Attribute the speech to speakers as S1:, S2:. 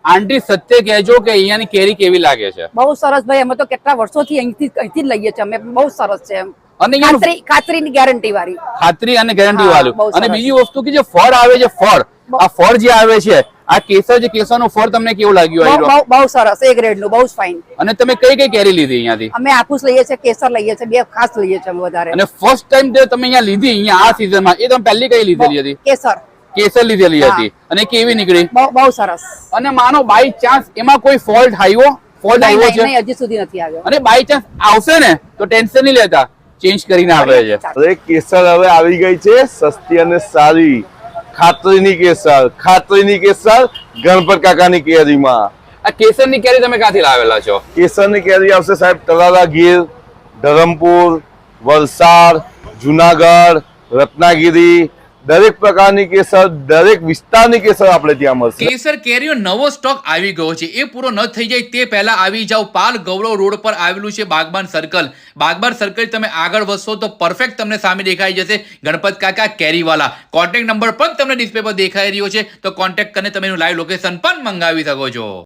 S1: આંટી સત્ય કહેજો કે અહીંયાની કેરી કેવી લાગે છે?
S2: બહુ સરસ ભાઈ, અમે તો કેટલા વર્ષોથી અહીંથી જ લઈએ છીએ અમે. બહુ સરસ છે એમ.
S1: અને અહીંયા
S2: ખાતરીની ગેરંટી વાળી.
S1: ખાતરી અને ગેરંટી વાળું.
S2: બહુ
S1: અને
S2: સરસ.
S1: બીજી વસ્તુ કે જે ફળ આવે છે, ફળ આ ફળ જે આવે છે, આ કેસર જે કેસરનું ફળ તમને કેવું લાગ્યું?
S2: બહુ સરસ, એ ગ્રેડ નું, બહુ ફાઇન.
S1: અને તમે કઈ કઈ કેરી લીધી અહીંયાથી?
S2: અમે આફૂસ લઈએ છીએ, કેસર લઈએ છીએ, બે ખાસ લઈએ છીએ વધારે.
S1: અને ફર્સ્ટ ટાઈમ તમે અહીંયા લીધી, અહીંયા આ સીઝનમાં, એ તમે પહેલી કઈ લીધેલી હતી?
S2: કેસર.
S1: કેસર લીધેલી હતી. અને કેવી નીકળી?
S2: બહુ સરસ.
S1: અને માનો બાય ચાન્સ એમાં કોઈ ફોલ્ટ આવ્યો છે?
S2: નહીં, હજી સુધી નથી આવ્યો.
S1: અને બાય ચાન્સ આવશે ને તો ટેન્શન નહીં લેતા, ચેન્જ કરીને આવે છે.
S3: અરે કેસર હવે આવી ગઈ છે, સસ્તી અને સારી. ખાતરીની કેસર, ખાતરીની કેસર ગણપત કાકાની કેરીમાં.
S1: આ કેસરની કેરી તમે ક્યાંથી લાવેલા છો?
S3: કેસરની કેરી આવશે સાહેબ તળાજા ગીર, ધરમપુર, વલસાડ, જુનાગઢ, રત્નાગીરી. દરેક પ્રકારની કેસર, દરેક વિસ્તારની કેસર આપણે ત્યાં મળશે.
S4: કેસર કેરીનો નવો સ્ટોક આવી ગયો છે. એ પૂરો ન થઈ જાય તે પહેલા આવી જાવ. પાલ ગૌરવ રોડ પર આવેલું છે બાગબાન સર્કલ. બાગબાન સર્કલ તમે આગળ વધશો તો પરફેક્ટ તમને સામે દેખાઈ જશે ગણપત કાકા કેરીવાલા. કોન્ટેક્ટ નંબર પણ તમને ડિસ્પ્લે પર દેખાઈ રહ્યો છે, તો કોન્ટેક્ટ કરીને તમે એનું લાઈવ લોકેશન પણ મંગાવી શકો છો.